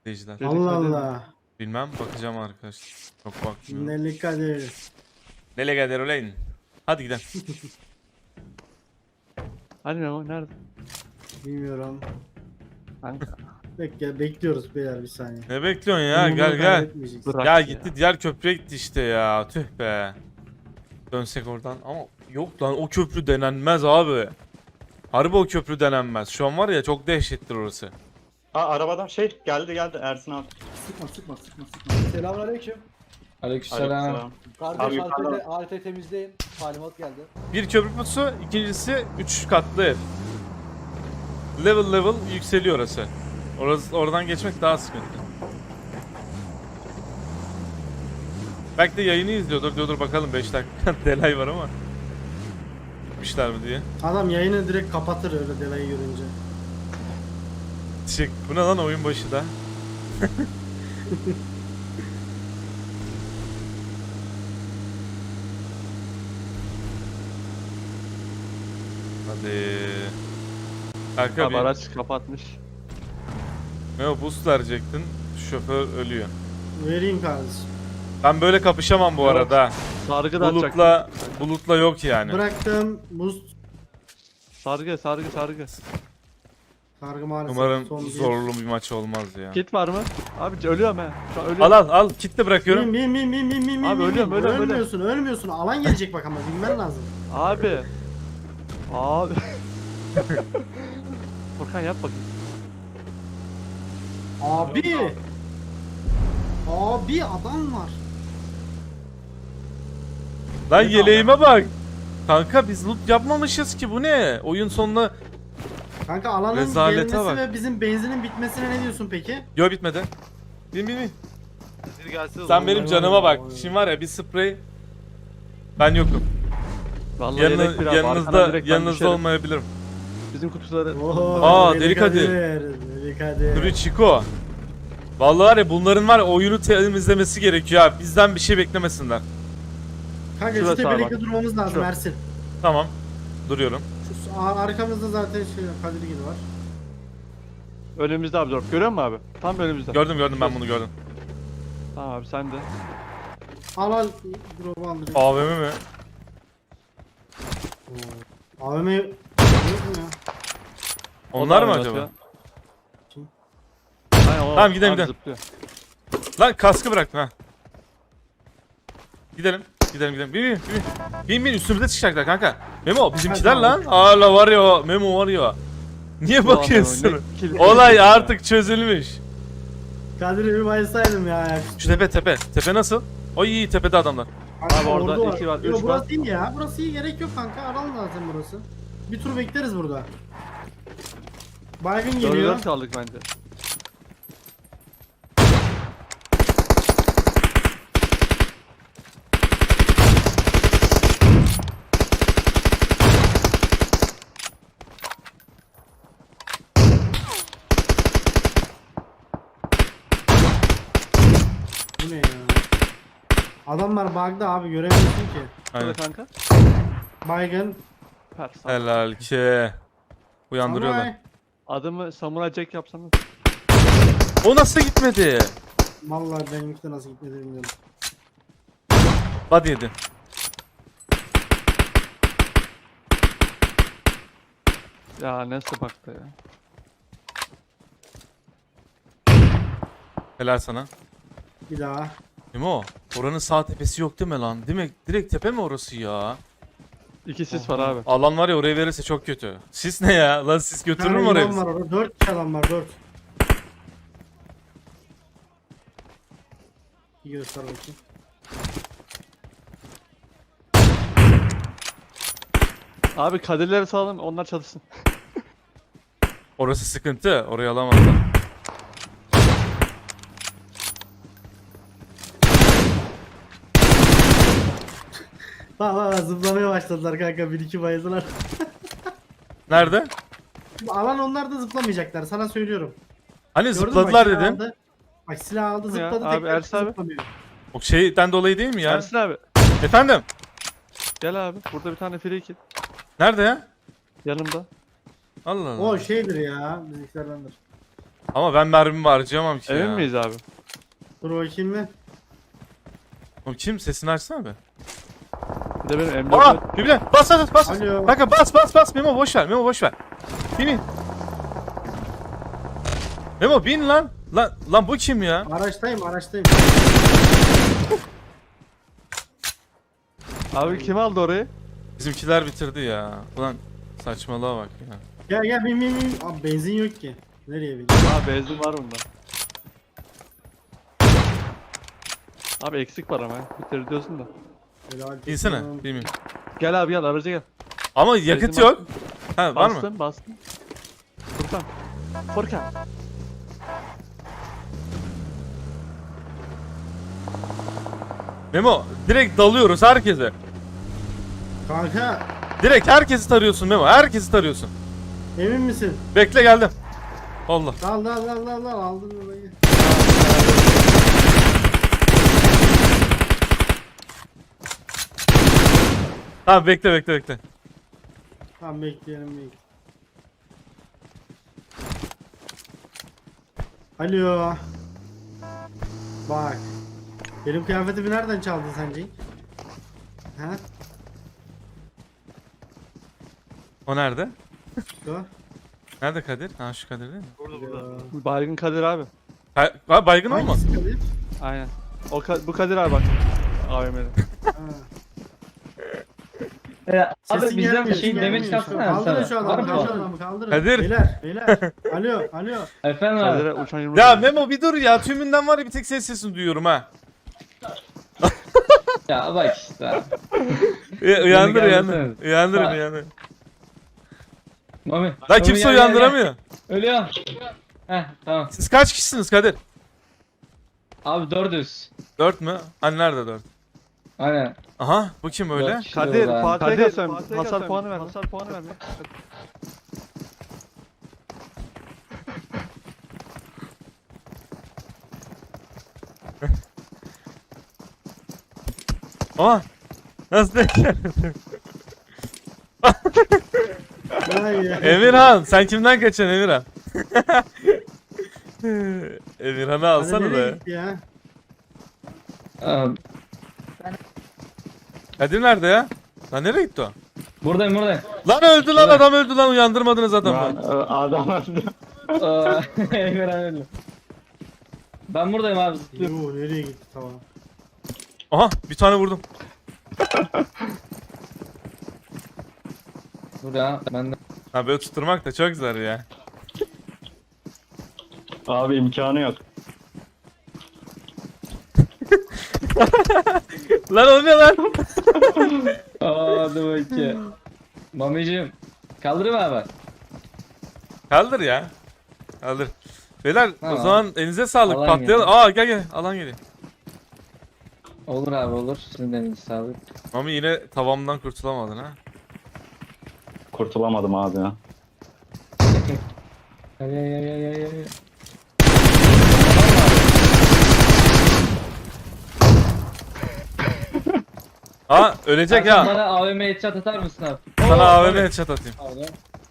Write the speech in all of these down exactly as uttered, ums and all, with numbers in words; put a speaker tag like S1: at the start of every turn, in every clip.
S1: Seyirciler.
S2: Allah Allah.
S1: Bilmem, bakacağım arkadaşlar. Çok bakmıyorum.
S2: Neli Kadir.
S1: Nereye gider ulan? Hadi gidelim.
S3: Hani Memo nerede?
S2: Bilmiyorum.
S3: Kanka.
S2: Bekle, bekliyoruz beyler bir saniye.
S1: Ne bekliyorsun ya?
S2: Bunu
S1: Gel gel.
S2: kaybetmeyeceksin.
S3: Bırak
S1: Ya
S3: ya.
S1: gitti diğer köprüye gitti işte ya. Tüh be. Dönsek oradan ama yok lan, o köprü denenmez abi. Harbi o köprü denenmez. Şu an var ya, çok dehşettir orası.
S4: Aa arabadan şey geldi geldi Ersin abi.
S5: Sıkma sıkma sıkma sıkma. Selamünaleyküm.
S6: Aleykümselam.
S4: Aleykümselam. Abi
S5: Kardeş
S4: yukarıda-
S5: haritayı, haritayı temizleyin. Talimat geldi.
S1: Bir köprü pusu, ikincisi üç katlı ev. Level level yükseliyor orası. Orası oradan geçmek daha sıkıntı. Belki de yayını izliyordur. Diyordur bakalım beş dakika delay var ama. Gitmişler mi diye.
S2: Adam yayını direkt kapatır öyle delayı görünce.
S1: Çık. Bu ne lan, oyun başı da. Hadi. Kanka
S3: Abi
S1: bir
S3: araç kapatmış.
S1: Meo boost verecektin. Şoför ölüyor.
S2: Vereyim kardeşim.
S1: Ben böyle kapışamam bu
S3: Yok.
S1: arada.
S3: Sargı da atacak.
S1: Bulutla bulutla yok yani.
S2: Bıraktım. Buz
S3: Sargı sargı sargı.
S2: sargı maalesef.
S1: Umarım
S2: son bir.
S1: zorlu bir maç olmaz ya.
S3: Kit var mı? Abi ölüyorum he. Şu an
S1: Al
S3: ölüyorum.
S1: al al, kitle bırakıyorum.
S2: Bin bin bin bin bin bin
S3: Abi
S2: bin,
S3: ölüyorum,
S2: bin.
S3: ölüyorum,
S2: Ölmüyorsun ölmüyorsun. Alan gelecek bak ama bilmen lazım.
S3: Abi. Abi. Furkan yap bakayım.
S2: Abi. Abi adam var.
S1: Lan yeleğime bak. Kanka biz loot yapmamışız ki, bu ne? Oyun sonunda...
S2: Kanka alanın
S1: Rezalete
S2: gelmesi
S1: bak.
S2: ve bizim benzinin bitmesine ne diyorsun peki?
S1: Yo, bitmedi. Bin bin bin.
S7: Bir gelse
S1: Sen benim
S2: vay,
S1: canıma
S2: vay,
S1: bak.
S2: vay.
S1: Şimdi var ya, bir sprey. Ben yokum.
S3: Vallahi
S1: Yanı,
S3: yedek bir abi. Arkadan
S1: yanınızda
S3: direkt ben
S1: yanınızda
S3: düşerim.
S1: olmayabilirim.
S3: Bizim kutuları.
S2: Oho,
S1: Aa,
S2: Deli
S1: Deli Kadir.
S2: Deli Kadir.
S1: Duru Chico. Vallahi var ya, bunların var ya, oyunu temizlemesi gerekiyor abi. Bizden bir şey beklemesinler.
S2: Kanka şu
S3: Şurası abi
S2: tepelikte
S3: bak.
S2: durmamız lazım
S3: Şu.
S2: Ersin.
S1: Tamam. Duruyorum.
S2: Şu ar- arkamızda zaten şey Kadirgil var.
S3: Önümüzde abi dur. Görüyor musun abi? Tam önümüzde.
S1: Gördüm gördüm, ben bunu gördüm.
S3: Tamam abi sen de.
S2: Al al drop'u al direkt.
S1: A V M mi?
S2: A V M yok mu ya?
S1: Onlar
S3: O
S1: mı
S3: da
S1: acaba?
S3: oynatıyor.
S2: Kim?
S3: Aynen, o
S1: Tamam, gidelim,
S3: abi
S1: gidelim.
S3: zıplıyor.
S1: Lan kaskı bıraktım ha. Gidelim. Gidelim gidelim. Bin bin bin. Bin bin, üstümüze çıkacaklar kanka. Memo bizimkiler
S2: Hadi
S1: lan.
S2: abi.
S1: Hala var ya o. Memo var ya. Niye
S3: Ulan
S1: bakıyorsun?
S3: Memo, ne kill-
S1: Olay artık çözülmüş.
S2: Kadir'i bir baysaydım ya.
S1: Şu tepe tepe. Tepe nasıl? O iyi, tepede adamlar.
S3: Abi orada
S2: ordu
S3: iki var,
S2: Yo,
S3: üç
S2: burası
S3: var.
S2: iyi ya. Burası iyi, gerek yok kanka. Alalım zaten burası. Bir tur bekleriz burada. Baygın geliyor.
S3: Geliyor. Kaldık bence.
S2: Bu ne ya? Adamlar bug'da abi, göremiyorsun ki.
S1: Aynen.
S3: Şöyle kanka.
S2: Baygın.
S3: Her sağ.
S1: Helal ki. Uyandırıyorlar.
S2: Samuray.
S3: Adımı Samurai Jack yapsana.
S1: O nasıl gitmedi?
S2: Vallahi benimki de nasıl gitmedi bilmiyorum.
S1: Body yedi.
S3: Ya nasıl baktı ya.
S1: Helal sana.
S2: Bir daha.
S1: Memo, oranın sağ tepesi yok değil mi lan? Değil mi? Direkt tepe mi orası ya?
S3: İki sis var abi.
S1: Alan var ya, oraya verirse çok kötü. Sis ne ya? Lan sis götürür mü
S2: Bir tane
S1: oraya
S2: imam
S1: bizi?
S2: var orada. Dört kişi adam var, dört. Bir göster bakayım.
S3: Abi kadirleri sağlam onlar çalışsın.
S1: Orası sıkıntı. Orayı alamazlar.
S2: Bak bak bak, zıplamaya başladılar kanka, bir iki bayıldılar.
S1: Nerede?
S2: Alan onlar da zıplamayacaklar, sana söylüyorum.
S1: Hani
S2: Gördün mü?
S1: zıpladılar
S2: Bak, silah
S1: dedin.
S2: aldı. Bak silah aldı,
S3: Ya,
S2: zıpladı,
S3: abi,
S2: tekrar
S3: Ersin abi.
S2: zıplamıyor.
S1: O şeyden dolayı değil mi ya?
S3: Ersin abi.
S1: Efendim?
S3: Gel abi. Burada bir tane free kill.
S1: Nerede ya?
S3: Yanımda.
S1: Allah Allah.
S2: O şeydir ya, bizimkilerdendir.
S1: Ama ben mermimi harcayamam ki
S3: Emin
S1: ya.
S3: miyiz abi?
S2: Dur bakayım bir.
S1: Oğlum kim? Sesini açsana be.
S3: Bir de benim M dört.
S1: Aa! Birbirine bas bas bas.
S2: Alo.
S1: Kanka bas bas bas. Memo boş ver. Memo boş ver. Bin bin. Memo bin lan. Lan lan bu kim ya?
S2: Araçtayım araçtayım.
S3: Abi kim aldı orayı?
S1: Bizimkiler bitirdi ya. Ulan saçmalığa bak ya.
S2: Gel gel bin bin bin. Abi benzin yok ki. Nereye bin?
S3: Aa benzin var bunda. Abi eksik var ama ya. Bitir diyorsun da.
S2: Helal.
S1: İnsene. Bilmiyorum.
S3: Gel abi gel araca gel.
S1: Ama yakıt
S3: Benzin
S1: yok. Ha var mı?
S3: Bastın bastın. Furkan. Furkan.
S1: Memo direkt dalıyoruz herkese.
S2: Kanka
S1: Direkt herkesi tarıyorsun Memo. Herkesi tarıyorsun.
S2: emin misin?
S1: Bekle geldim. Allah.
S2: Dal dal dal dal dal aldın orayı.
S1: Tamam bekle bekle bekle.
S2: Tamam bekleyelim bekleyelim. Alo. Bak. Benim kıyafetimi nereden çaldın sen Cenk? Ha?
S1: O nerede?
S2: Şu.
S1: Nerede Kadir? Ha şu Kadir değil mi?
S3: Burada
S2: burada.
S3: Baygın Kadir abi.
S1: Ha, ha, baygın olma.
S2: Hangisi Kadir?
S3: Aynen. O Ka- bu Kadir abi bak. A V M'de.
S2: Ha.
S6: Ya, abi
S2: Sesin
S6: bizden
S2: gelmiyor,
S6: bir şey
S2: sesin
S6: demek
S2: gelmiyor.
S6: çıkarsana
S2: Kaldırın
S6: sana.
S2: şu
S6: Var
S2: adamı,
S6: mı?
S2: kaldırın adamı, kaldırın.
S1: Kadir.
S2: Beyler, beyler. Alo, alo.
S6: Efendim abi.
S3: Kadir'e uçan yumruk.
S1: Ya Memo bir dur ya. Tümünden var ya bir tek senin sesini duyuyorum ha.
S6: Ya bak işte.
S1: Uya- Uyandır
S6: Beni
S1: uyandır.
S6: geldirseniz.
S1: Uyandırın
S6: Ha.
S1: uyandır.
S6: Mami.
S1: Lan
S6: Mami,
S1: kimse
S6: gel, gel,
S1: uyandıramıyor.
S6: gel. Ölüyorum. Heh tamam.
S1: Siz kaç kişisiniz Kadir?
S6: Abi dördüz.
S1: Dört mü? Hani nerede dört?
S6: Aynen.
S1: Aha bu kim öyle?
S6: Dört kişi
S3: Kadir
S6: oldu abi.
S3: Fatih'e gel sen. Hasar puanı ver. Hasar puanı ver.
S1: Aa! Nasıl denk geldin?
S2: Vay ya.
S1: Emirhan sen kimden kaçıyorsun Emirhan? Emirhan'ı
S2: Hadi
S1: alsana
S2: nereye
S1: da.
S2: gitti ya?
S6: Abi,
S1: Kadir nerede ya? Lan nereye gitti o?
S6: buradayım buradayım.
S1: Lan öldü lan adam öldü lan uyandırmadınız adamı.
S4: Lan, e, adam öldü.
S6: Aa, Emirhan öldü. Ben buradayım abi. zıplıyorum.
S2: Yoo, nereye gitti tamam.
S1: Aha bir tane vurdum.
S6: Dur ya ben de.
S1: Ha böyle tutturmak da çok zor ya.
S4: Abi imkanı yok.
S1: Lan o ne lan?
S6: Aa hadi bakayım. Mamicim. Kaldırayım abi.
S1: Kaldır ya. Kaldır. Beyler o
S6: Tamam.
S1: zaman elinize sağlık
S6: Alan
S1: patlayalım.
S6: geliyor.
S1: Aa gel gel alan geliyor.
S6: Olur abi olur. Sizin de elinize sağlık.
S1: Mami yine tavamdan kurtulamadın ha.
S4: Kurtulamadım abi ya.
S6: Ay ay ay ay ay ay.
S1: Aa ölecek
S6: Sen
S1: ha.
S6: bana A V M headshot atar mısın abi?
S1: Sana
S6: Oo,
S1: A V M
S6: abi.
S1: headshot atayım.
S6: Pardon.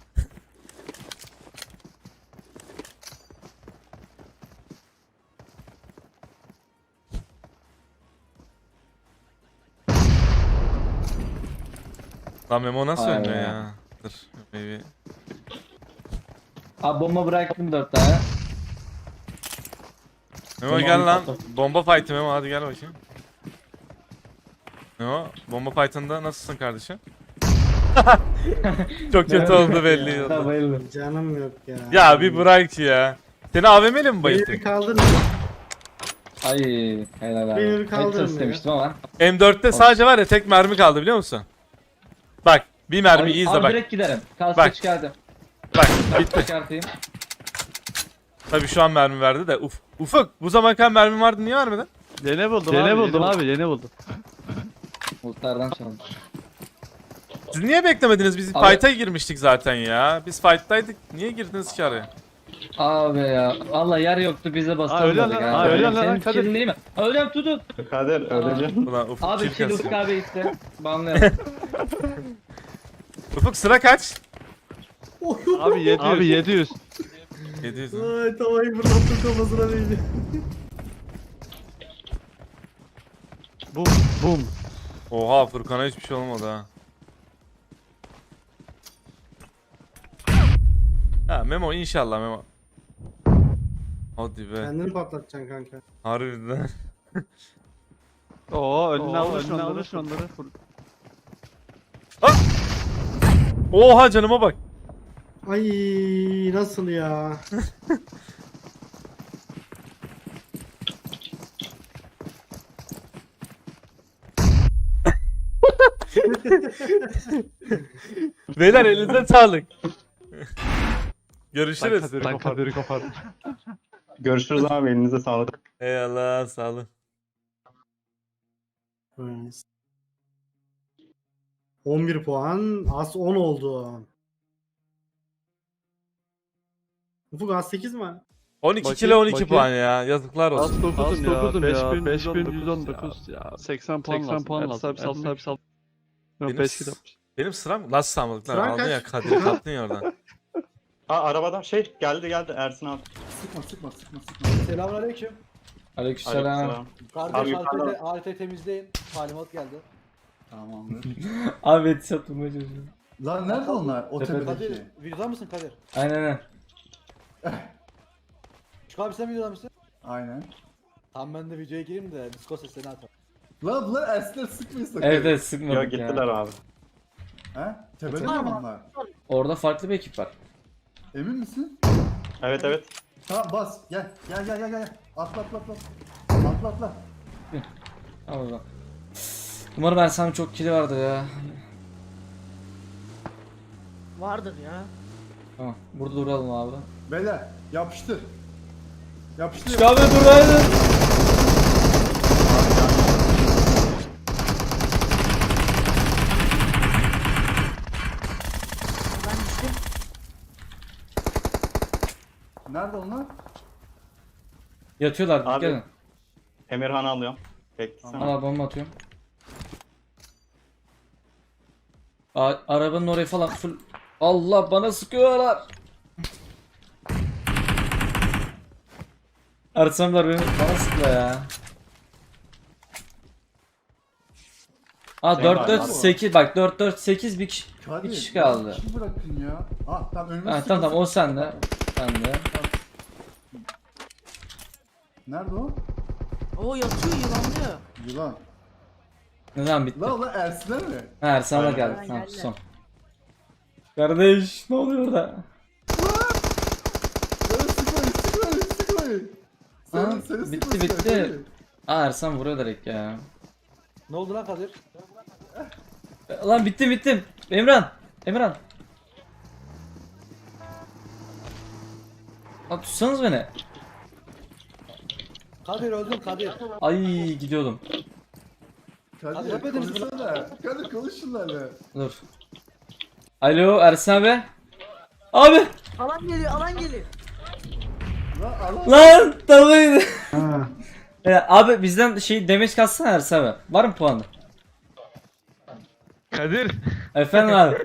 S1: Lan Memo nasıl
S6: Ay
S1: ölmüyor
S6: ya.
S1: ya? Dur. Maybe.
S6: Abi bomba bıraktım dört tane.
S1: Memo
S6: Tamam,
S1: gel lan.
S6: patlat.
S1: Bomba fight'ı Memo hadi gel bakayım. Memo bomba fight'ında nasılsın kardeşim? Çok kötü oldu belli
S6: Ya,
S1: oldu.
S6: bayıldım.
S2: Canım yok ya.
S1: Ya bir bırak ya. Seni A V M'li mi
S2: Beni bir
S1: bayılttık?
S2: kaldırın.
S6: Ay helal abi.
S2: Beni bir kaldırın
S6: Headshot
S2: ya.
S6: istemiştim ama.
S1: M dörtte sadece var ya tek mermi kaldı biliyor musun? Bak bir mermi
S6: Abi,
S1: iyi izle
S6: abi
S1: bak.
S6: direkt giderim. Kaskı
S1: Bak.
S6: çıkardım.
S1: Bak
S6: Kaskı
S1: bitti.
S6: çıkartayım.
S1: Tabii şu an mermi verdi de uf. Ufuk bu zaman kan mermi vardı niye vermedin?
S3: Yeni buldum abi. Yeni buldum abi. Yeni buldum.
S6: Bulutlardan çaldım.
S1: Siz niye beklemediniz? Biz
S6: Abi-
S1: fight'a girmiştik zaten ya. Biz fight'taydık. Niye girdiniz ki araya?
S6: Abi ya. Valla yer yoktu bize
S3: Aa,
S6: bastırmadık
S3: öyle lan,
S6: ha.
S3: aa, öyle lan,
S6: Senin
S3: Kadir.
S6: fikrin değil mi? Öyle tutun.
S4: Kadir öleceğim.
S1: Ulan Ufuk
S6: Abi
S1: kill
S6: kill
S1: kasıyor.
S6: Ufuk abi gitti. Banlayalım.
S1: Ufuk sıra kaç?
S3: Abi yedi yüz. Abi yedi yüz.
S1: yedi yüz mü?
S2: Ay tavayı fırlattım kafasına değdi.
S3: Bum bum.
S1: Oha Furkan'a hiçbir şey olmadı ha. Ha Memo inşallah Memo. Hadi be.
S2: Kendini patlatacaksın kanka.
S1: Harbiden.
S3: Oo önüne alır önüne alır onları.
S1: Oha canıma bak.
S2: Ay nasıl ya?
S1: Beyler elinize sağlık.
S3: Ben
S1: Görüşürüz.
S3: kaderi kopardım. Kaderi kopardım.
S4: Görüşürüz abi, elinize sağlık.
S1: Eyvallah sağ olun.
S2: on bir puan. Az on oldu. Ufuk az sekiz mi?
S1: on iki
S3: Bakayım,
S1: kilo on iki
S3: bakayım.
S1: puan ya. Yazıklar olsun.
S3: Az dokuzum ya.
S6: dokuzum ya.
S3: beş bin yüz on
S6: beş bin
S3: dokuz ya. seksen puan
S6: seksen
S3: lazım.
S6: puan
S3: Ertuğ
S6: lazım.
S3: abi sal
S6: Ertuğ
S3: abi sal. Yok
S1: Benim,
S3: beş kilo.
S1: benim sıram nasıl sağmadık lan?
S2: Sıran
S1: Aldın
S2: kaç?
S1: ya Kadir'i kaptın ya oradan.
S4: Ha arabada şey geldi geldi Ersin abi.
S5: Sıkma sıkma sıkma sıkma. Selamünaleyküm.
S6: Aleykümselam.
S4: Aleykümselam.
S5: Kardeş
S4: Abi,
S5: haritayı,
S4: yukarıda.
S5: haritayı temizleyin. Talimat geldi.
S7: Tamamdır.
S6: Abi headshot vurmaya çalışıyorum.
S7: Lan nerede onlar? O
S6: Tepede.
S5: Kadir
S7: tepedeki.
S5: videoda mısın Kadir?
S6: Aynen aynen.
S5: Şu abi sen videoda mısın?
S7: Aynen.
S5: Tamam ben de videoya gireyim de Discord seslerini atalım.
S7: Lan bunlar Ersin'ler sıkmayın sakın.
S6: Evet evet
S4: Yok
S6: sıkmadık
S4: gittiler
S6: ya.
S4: abi.
S7: He? Tepede mi onlar?
S6: Orada farklı bir ekip var.
S7: Emin misin?
S4: Evet evet.
S7: Tamam bas. Gel. Gel gel gel gel. Atla atla atla. Atla atla.
S6: Al oradan. Umarım Ersan çok kili vardır ya.
S8: Vardır ya.
S6: Tamam burada duralım abi.
S7: Beyler yapıştır. Yapıştır.
S6: Çık abi duraydın.
S8: Ben düştüm.
S7: Nerede onlar?
S6: Yatıyorlar
S4: Abi.
S6: gelin.
S4: Emirhan'ı alıyorum. Beklesene.
S6: Al abi bomba atıyorum. A arabanın orayı falan full. Allah bana sıkıyorlar. Ersanlar beni bana sıkıyor ya. Aa
S4: Sen
S6: dört
S4: var
S6: dört
S7: abi.
S6: sekiz bak dört dört sekiz bir kişi.
S7: Hadi.
S6: Bir kişi kaldı.
S7: Bir kişi bırakın ya. Ah tamam önüme
S6: Ha
S7: sıkı
S6: tamam tamam o
S7: sıkı.
S6: sende. Sende.
S7: Nerede o?
S8: Oo yatıyor yılanlıyor.
S7: Yılan.
S6: Ne zaman bitti?
S7: Lan ulan Ersin'ler mi?
S6: Ha Ersanlar
S4: Aynen.
S6: geldi.
S8: Aynen,
S6: Tamam
S8: geldi.
S6: son. Kardeş ne oluyor orada?
S7: Lan sıkmayın sıkmayın sıkmayın.
S6: Ha,
S7: Seni, seni
S6: bitti,
S7: sıkmasın,
S6: bitti.
S7: seni.
S6: Aa Ersan vuruyor direkt ya.
S5: Ne oldu lan Kadir?
S6: Lan bittim bittim. Emran. Emran. Lan tutsanız beni.
S5: Kadir öldün Kadir.
S6: Ay gidiyordum.
S5: Hadi
S7: Kadir
S5: yapmadınız mı?
S7: konuşsana. Kadir konuş şunlarla.
S6: Dur. Alo Ersan abi. Abi.
S8: Alan geliyor alan geliyor.
S7: Lan Allah.
S6: Lan tabii.
S2: Ha.
S6: Ya, abi bizden şey demeç katsana Ersan abi. Var mı puanı?
S1: Kadir.
S6: Efendim abi.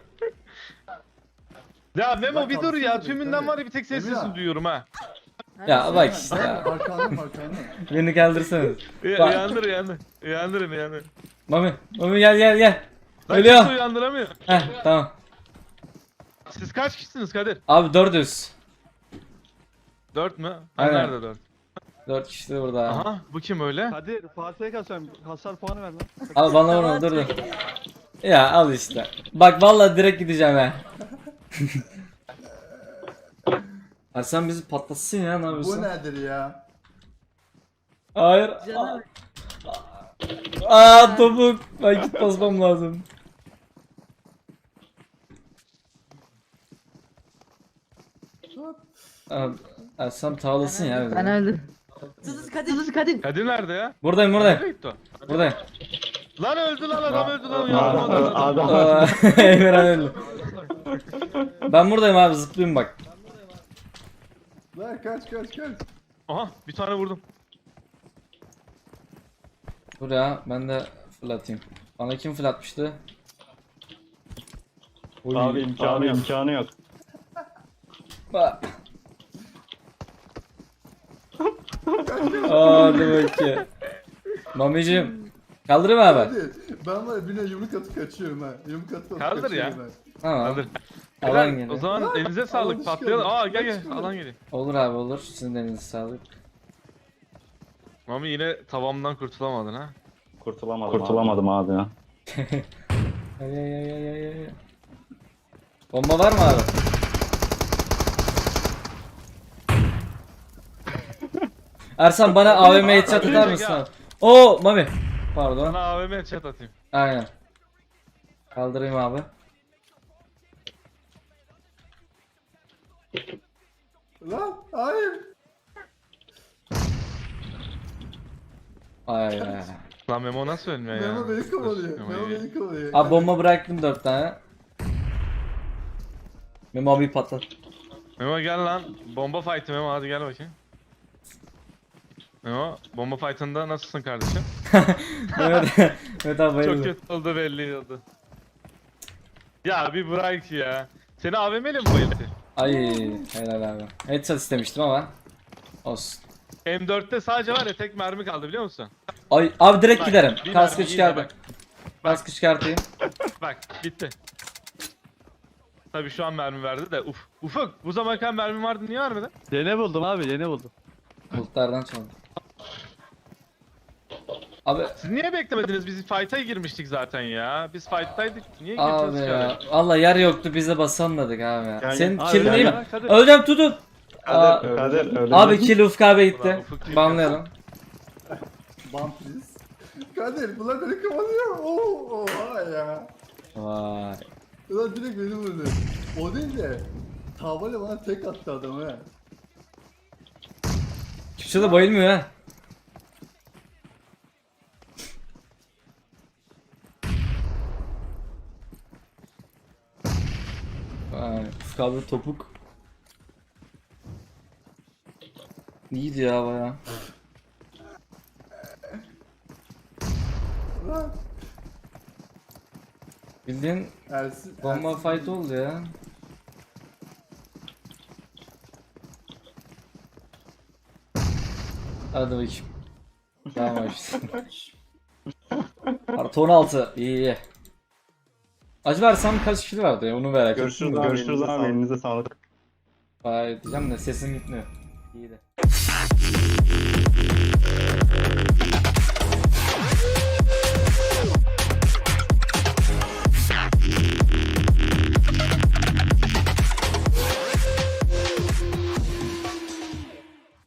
S1: Ya Memo
S7: Bak
S1: bir dur ya.
S7: kalksana bir,
S1: Tümünden
S7: tabii.
S1: var ya bir tek senin
S7: Emin
S1: sesini
S7: abi.
S1: duyuyorum ha.
S6: Ya bak işte ya.
S7: Arkandayım arkandayım.
S6: Beni kaldırsana.
S1: Uy-
S6: Bak.
S1: Uyandır uyandır. Uyandırın uyandır.
S6: Mami. Mami gel gel gel.
S1: Lan
S6: Ölüyor.
S1: kimse uyandıramıyor.
S6: Heh tamam.
S1: Siz kaç kişisiniz Kadir?
S6: Abi dört yüz.
S1: Dört mü? Ha,
S6: Aynen.
S1: nerede dört?
S6: dört kişi de burada.
S1: Aha bu kim öyle?
S3: Hadi Fatih'e kalsam hasar puanı ver lan.
S6: Al bana vurma dur dur. Ya al işte. Bak vallahi direkt gideceğim ha. Ersan bizi patlatsın ya ne
S7: Bu
S6: yapıyorsun?
S7: nedir ya?
S6: Hayır.
S8: Canım.
S6: Aa topuk. Ben git basmam lazım. Abi, Ersan tavlasın ya. bizi.
S8: Ben öldüm. Sızız Kadir. Sızız Kadir.
S1: Kadir nerede ya?
S6: Buradayım
S1: Nereye
S6: buradayım.
S1: gitti o?
S6: Buradayım.
S1: Lan öldü lan adam öldü lan
S4: Adam,
S1: uyandım
S4: adam.
S6: Aa, Emirhan öldü. Ben buradayım abi zıplayayım bak.
S7: Lan kaç kaç kaç.
S1: Aha bir tane vurdum.
S6: Dur ya ben de fırlatayım. Bana kim fırlatmıştı? Oy.
S4: Abi imkanı yok. imkanı yok.
S6: Bak. Hadi bakayım. Mamicim. Kaldırayım abi.
S7: Hadi. Ben var ya birine yumruk atıp kaçıyorum ha. Yumruk atıp atıp
S1: Kaldır ya.
S7: kaçıyorum ha.
S6: Tamam.
S1: Kaldır.
S6: Alan
S1: Beyler,
S6: geliyor.
S1: o zaman elinize sağlık.
S7: Alan
S1: Patlayalım.
S7: çıkıyor.
S1: Aa gel gel.
S7: Çıkıyor.
S1: Alan geliyor.
S6: Olur abi olur. Sizin de elinize sağlık.
S1: Mami yine tavamdan kurtulamadın ha.
S4: Kurtulamadım, Kurtulamadım abi, ya.
S6: Ay ay ay ay ay ay. Bomba var mı abi? Ersan bana A V M headshot atar mısın abi? Oo Mami. Pardon.
S1: Sana A V M chat atayım.
S6: Aynen. Kaldırayım abi.
S7: Lan hayır.
S6: Ay ay.
S1: Lan Memo nasıl ölmüyor ya?
S7: Memo beni kovalıyor.
S1: Memo
S7: Memo
S1: iyi.
S7: beni kovalıyor.
S6: Abi bomba bıraktım dört tane. Memo abi patlat.
S1: Memo gel lan. Bomba fight'ı Memo hadi gel bakayım. Memo bomba fight'ında nasılsın kardeşim?
S6: Evet, evet abi bayıldım.
S1: Çok kötü oldu belli oldu. Ya bir bırak ya. Seni A V M'yle mi bayıldı?
S6: Ay helal abi. Headshot istemiştim ama. Olsun.
S1: M dörtte sadece var ya tek mermi kaldı biliyor musun?
S6: Ay abi direkt
S1: Bak,
S6: giderim.
S1: bir
S6: Kaskı
S1: mermi, iyi
S6: çıkar
S1: de
S6: bak. Kaskı çıkartayım.
S1: Bak bitti. Tabii şu an mermi verdi de uf. Ufuk bu zamanken mermi vardı niye vermedi?
S3: Yeni buldum abi yeni buldum.
S6: Bulutlardan çaldım. Abi
S1: Siz niye beklemediniz? Biz fight'a girmiştik zaten ya. Biz fight'taydık. Niye
S6: abi
S1: girdiniz
S6: ya.
S1: ki?
S6: Valla yer yoktu biz de basanmadık abi ya.
S4: Gel,
S6: Senin
S4: gel.
S6: killin
S4: Abi,
S6: değil
S4: gel,
S6: mi?
S3: Kadir.
S6: Öleceğim tutun. Aa,
S4: Kadir, Kadir öyle.
S6: abi kill Ufuk abi
S1: Ulan
S6: gitti.
S1: Ufuk değil.
S6: Banlayalım.
S7: Ban please. Kadir bunlar beni kovalıyor. Oo, oha ya.
S6: Vay.
S7: Ulan direkt beni vurdu. O değil de. Tavayla bana tek attı adam ha.
S6: Kimse de bayılmıyor ha. Vay, Ufuk abi topuk. İyiydi ya baya.
S7: Lan.
S6: Bildiğin
S7: Ersin.
S6: bomba
S7: Ersin-
S6: fight oldu ya. Hadi bakayım. Tamam işte. Artı on altı. İyi iyi. Acaba Ersan kaç kişi vardı ya onu merak ettim.
S4: Görüşürüz
S6: de.
S4: abi, görüşürüz abi, elinize sağlık.
S6: Vay diyeceğim de sesim gitmiyor. İyi de.